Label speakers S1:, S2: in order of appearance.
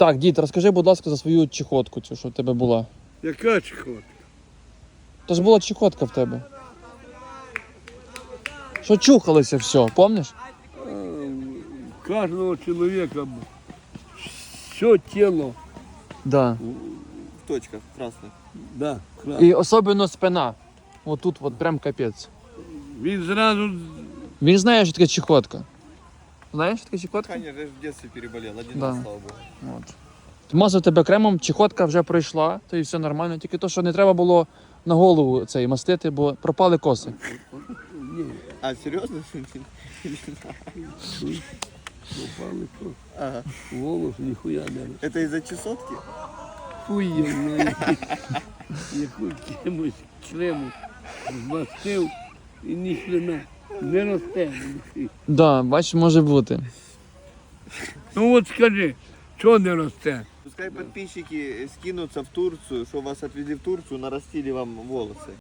S1: Так, дід, розкажи, будь ласка, за свою чехотку, цю, що в тебе була.
S2: Яка чехотка?
S1: То ж була чехотка в тебе. Що чухалося все, пам'ятаєш?
S2: У кожного чоловіка все тіло.
S1: Да.
S3: В точках красных.
S2: Да,
S1: І особливо спина. Отут от прям капець.
S2: Він зразу
S1: Він знає, що таке чехотка. Знаєш, що таке чехотка?
S3: Конечно, я же в детстве переболел. Один
S1: Да.
S3: раз, слава богу.
S1: От. Мазав тебе кремом, чехотка вже пройшла, то і все нормально. Тільки то, що не треба було на голову цей мастити, бо пропали коси.
S3: А, серьезно?
S2: попали що.
S3: Ага.
S2: Волос ніхуя не.
S3: Это из-за чесотки?
S2: Хуй я знаю. Яку чимось члену змастив і ні хрена. Не росте.
S1: Да, бачиш, може бути.
S2: Ну от скажи, чого не росте?
S3: Пускай подписчики скинутся в Турцию, что вас отвезли в Турцию, нарастили вам волосы.